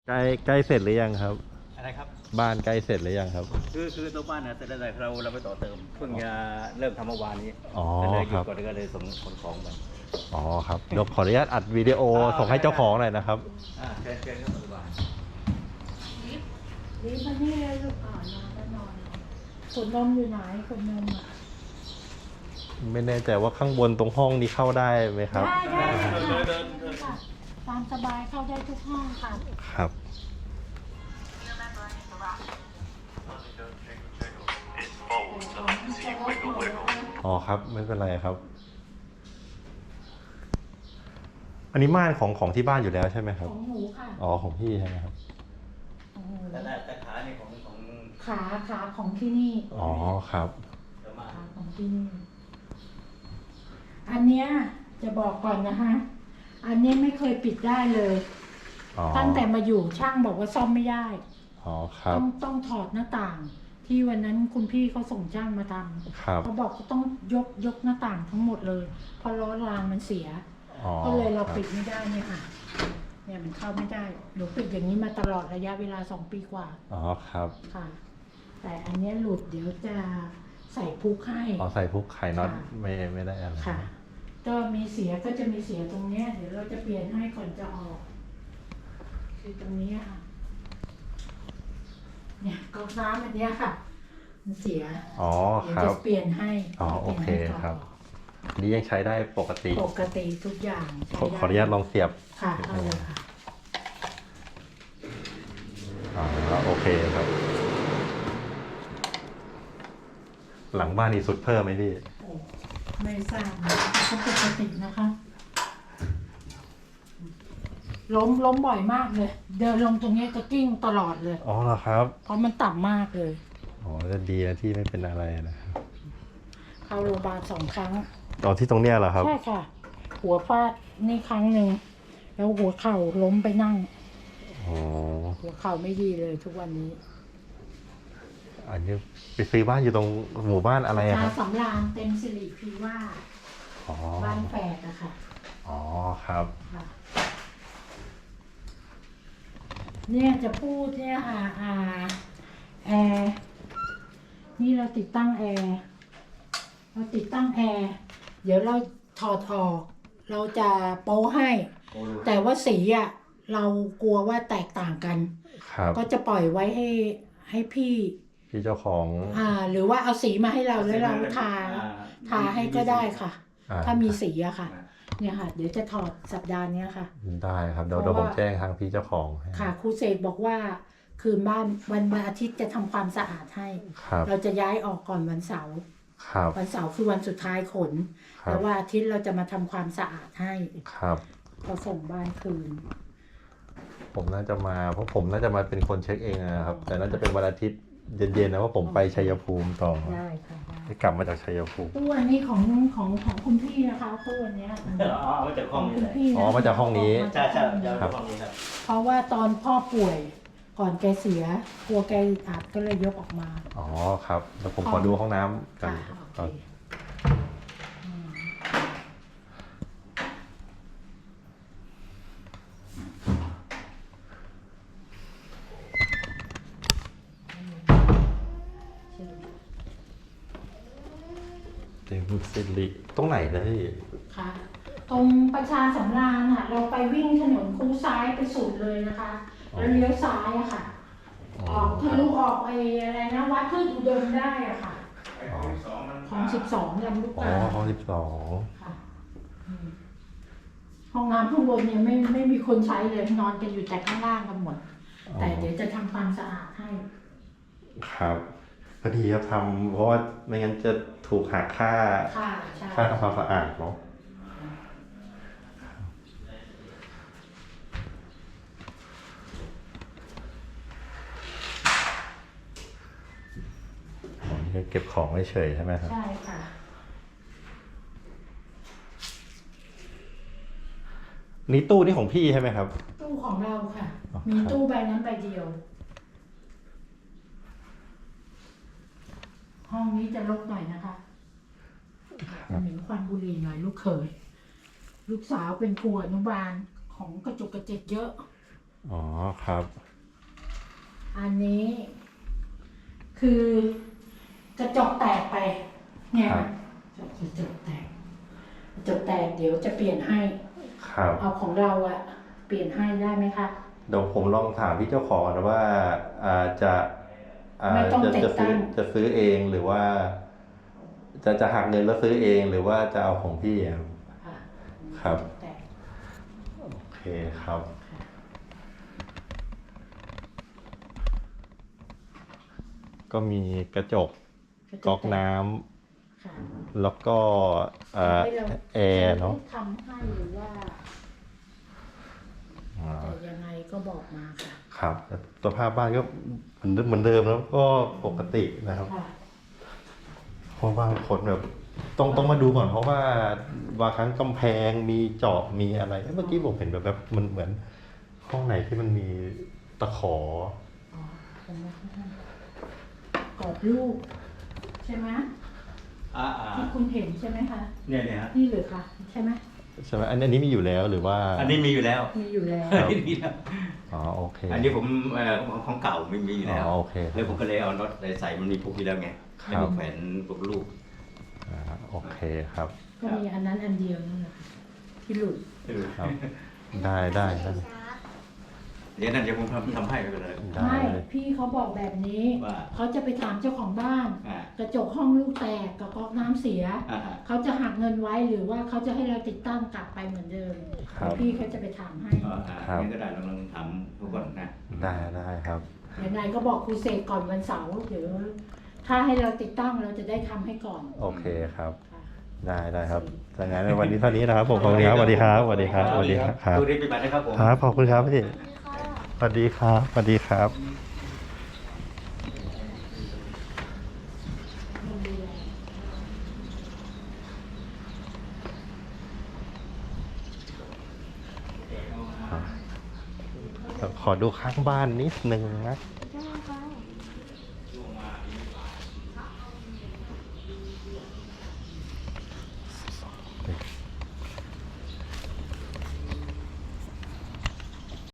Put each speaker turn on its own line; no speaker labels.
ใกล้เสร็จหรือยังครับ
อะไรครับ
บ้านใกล้เสร็จหรือยังครับ
คือตัวบ้านเนี่ยเสร็จแล้วแต่เราไปต่อเติมเพิ่งจะเริ่มทำเมื่อวานนี้
อ๋อ
ก็เลยห
ครับ
ยุดก่อนก็เลยส่งขนของไป
อ๋อครับเดี๋ยวขออนุญาตอัดวิดีโอส่งให้เจ้าของหน่อยนะครับ
เชิญครับสบาย
รีบมานี่เลยลูกนอนก็นอนขวดนมอยู่ไหนขวดนมอ่ะ
ไม่แน่ใจว่าข้างบนตรงห้องนี้เข้าได้ไหมครับ
ได้ค่ะตามสบายเข้าได้ทุกห้องค่ะ
ครับอ๋อครับไม่เป็นไรครับอันนี้ม่านของที่บ้านอยู่แล้วใช่ไหมครับ
ของหนูค่ะ
อ๋อของพี่ใช่ไหมครับ
แต่ขาเนี่ยของ
ขาของที่นี่
อ๋อครับ
ขาของที่นี่อันเนี้ยจะบอกก่อนนะคะอันนี้ไม่เคยปิดได้เลยตั้งแต่มาอยู่ช่างบอกว่าซ่อมไม่ได้
อ๋อครับ
ต้องถอดหน้าต่างที่วันนั้นคุณพี่เขาส่งช่างมาทำเขาบอกเขาต้องยกหน้าต่างทั้งหมดเลยเพราะล้อรางมันเสียก็เลยเราปิดไม่ได้เนี่ยค่ะเนี่ยมันเข้าไม่ได้หนูปิดอย่างนี้มาตลอดระยะเวลา2 ปีกว่า
อ๋อครับ
ค่ะแต่อันนี้หลุดเดี๋ยวจะใส่พุกให้
อ๋อใส่พุกไข่น็อตไม่ได้อะไร
ค่ะก็มีเสียก็จะมีเสียตรงเนี้ยเดี๋ยวเราจะเปลี่ยนให้ก่อนจะออกคือตรงนี้ค่ะเนี่ยก๊อกน้ำอันเนี้ยค่ะมันเสีย
อ๋อครับ
เดี๋ยวจะเปลี่ยนให้
อ๋อโอเคครับนี่ยังใช้ได้ปกติ
ทุกอย่าง
ขออนุญาตลองเสียบ
ค่ะเอาเลยค่ะ
อ๋อโอเคครับหลังบ้านนี่สุดเพิ่มไหมพี่
ไม่ทราบเขาปกตินะคะล้มบ่อยมากเลยเดินลงตรงนี้ก็กิ้งตลอดเลย
อ๋อเหรอครับ
เพราะมันต่ำมากเลย
อ๋อจะดีนะที่ไม่เป็นอะไรนะครับ
เข้าโรงพยาบาล2 ครั้ง
ตอนที่ตรงเนี้ยเหรอครับ
ใช่ค่ะหัวฟาดนี่ครั้งหนึ่งแล้วหัวเข่าล้มไปนั่ง
อ๋อ
หัวเข่าไม่ดีเลยทุกวันนี้
อันนี้ไปซื้อบ้านอยู่ตรงหมู่บ้านอะไรครับ
สำราญเต็มสิริพีว่าบ้านแฝดอะค่ะ
อ๋อครับ
เนี่ยจะพูดเนี่ยค่ะแอร์นี่เราติดตั้งแอร์เดี๋ยวเราถอดออกเราจะโป๊ให้แต่ว่าสีอะเรากลัวว่าแตกต่างกันก็จะปล่อยไว้ให้พี่
เจ้าของ
หรือว่าเอาสีมาให้เราแล้วเราทาให้ก็ได้ค่ะถ้ามีสีอะค่ะเนี่ยค่ะเดี๋ยวจะถอดสัปดาห์นี้ค่ะ
ได้ครับเดี๋ยวผมแจ้งทางพี่เจ้าของ
ค่ะครูเสกบอกว่าคืนบ้านวันอาทิตย์จะทำความสะอาดให้เราจะย้ายออกก่อนวันเสาร์คือวันสุดท้ายขนแล้วว่าอาทิตย์เราจะมาทำความสะอาดให้เขาส่งบ้านคืน
ผมน่าจะมาเพราะผมน่าจะมาเป็นคนเช็คเองนะครับแต่น่าจะเป็นวันอาทิตย์เย็นๆนะว่าผมไปชัยภูมิต่อ
ได้ค่ะ
ได้กลับมาจากชัยภูมิ
ตู้อันนี้ของคุณพี่นะคะตู้อันนี้
มาจากห้องนี้
อ๋อมาจากห้องนี้
ใช่ครับ
เพราะว่าตอนพ่อป่วยก่อนแกเสียกลัวแกอัดก็เลยยกออกมา
อ๋อครับแล้วผมขอดูห้องน้ำกันเต็มสิริตรงไหนเลย
ค่ะตรงประชาสำราญค่ะเราไปวิ่งถนนคูซ้ายไปสุดเลยนะคะแล้วเลี้ยวซ้ายอะค่ะออกทะลุออกไปอะไรนะวัดพืชอุดมได้อะค่ะของ12ลำลูกกา
ของ
12ค่ะห้องน้ำข้างบนเนี่ยไม่มีคนใช้เลยนอนกันอยู่แต่ข้างล่างกันหมดแต่เดี๋ยวจะทำความสะอาดให้
ครับพอดีครับทำเพราะว่าไม่งั้นจะถูกหักค่าทำความสะอาดเนาะเก็บของเฉยใช่ไหมครับ
ใช่ค่ะ
นี่ตู้นี่ของพี่ใช่ไหมครับ
ตู้ของเราค่ะมีตู้ใบนั้นใบเดียวห้องนี้จะรกหน่อยนะคะเหม็นควันบุหรี่หน่อยลูกเขยลูกสาวเป็นครูอนุบาลของกระจุกกระจิกเยอะ
อ๋อครับ
อันนี้คือกระจกแตกไป เนี่ย
ครับ
กระจกแตกกระจกแตกเดี๋ยวจะเปลี่ยนให้
ครับ
เอาของเราอะเปลี่ยนให้ได้ไหมคะ
เดี๋ยวผมลองถามพี่เจ้าของนะว่าจะ
ไม่ต้องติดตั้ง
จะซื้อเองหรือว่า จะหักเงินแล้วซื้อเองหรือว่าจะเอาของพี่ครับ
ค่ะ
ครับ
แตก
โอเคครับ ก็มีกระจกก๊อกน้ำ
ค่ะ
แล้วก็
ให้เรา
แอร์เนาะ
ทำให้หรือว่า
อ่า
แต่ยังไงก็บอกมาค่ะ
ครับแต่สภาพบ้านก็เหมือนเดิมแล้วก็ปกตินะครับ
ค่ะ
เพราะบางคนแบบต้องมาดูก่อนเพราะว่าบางครั้งกำแพงมีเจาะมีอะไรเมื่อกี้ผมเห็นแบบมันเหมือนห้องไหนที่มันมีตะขอ
อ๋อผมไม่ให้กรอบรูปใช่ไหม
อ่า
ที่คุณเห็นใช่ไหมคะ
เนี่ยฮะ
นี่หรือคะใช่ไหม
ใช่ไหมอันนี้มีอยู่แล้วหรือว่า
อันนี้มีอยู่แล้ว
มีอยู่แล้ว
ครับ
อันนี้มีแล้ว
อ๋อโอเค
อันนี้ผมของเก่าไม่มีอยู่แล้ว
อ๋อโอเค
แล้วผมก็เลยเอาน็อตใส่มันมีพวกนี้แล้วไง
ครับ
แล้วก็แขวนพวกลูก
โอเคครับ
ก็มีอันนั้นอันเดียวนั่นแหละค่ะที่หลุด
ครับ ได้ได้
เดี๋ยวนั่นเดี๋ยวผมทำให้ไปเลย
ได้
ไม่พี่เขาบอกแบบนี้
ว่า
เขาจะไปถามเจ้าของบ้าน
อ่าก
ระจกห้องลูกแตกกับก๊อกน้ำเสีย
อ่า
เขาจะหักเงินไว้หรือว่าเขาจะให้เราติดตั้งกลับไปเหมือนเดิม
ครับ
พี่เขาจะไปถามให้
ครับ
นี่ก็ได้ลองทำทุกคนนะ
ได้ครับ
ยังไงก็บอกครูเสกก่อนวันเสาร์เดี๋ยวถ้าให้เราติดตั้งเราจะได้ทำให้ก่อน
โอเคครับ
ค่ะ
ได้ครับดังนั้นวันนี้เท่านี้นะครับผมขอบคุณครับสวัสดีครับสวัสดีครับสวัสดีครับ
ดูดีไปบัตรนะครับผม
ครับขอบคุณครับพี่สวัสดีครับสวัสดีครับ ขอดูข้างบ้านนิดนึงนะ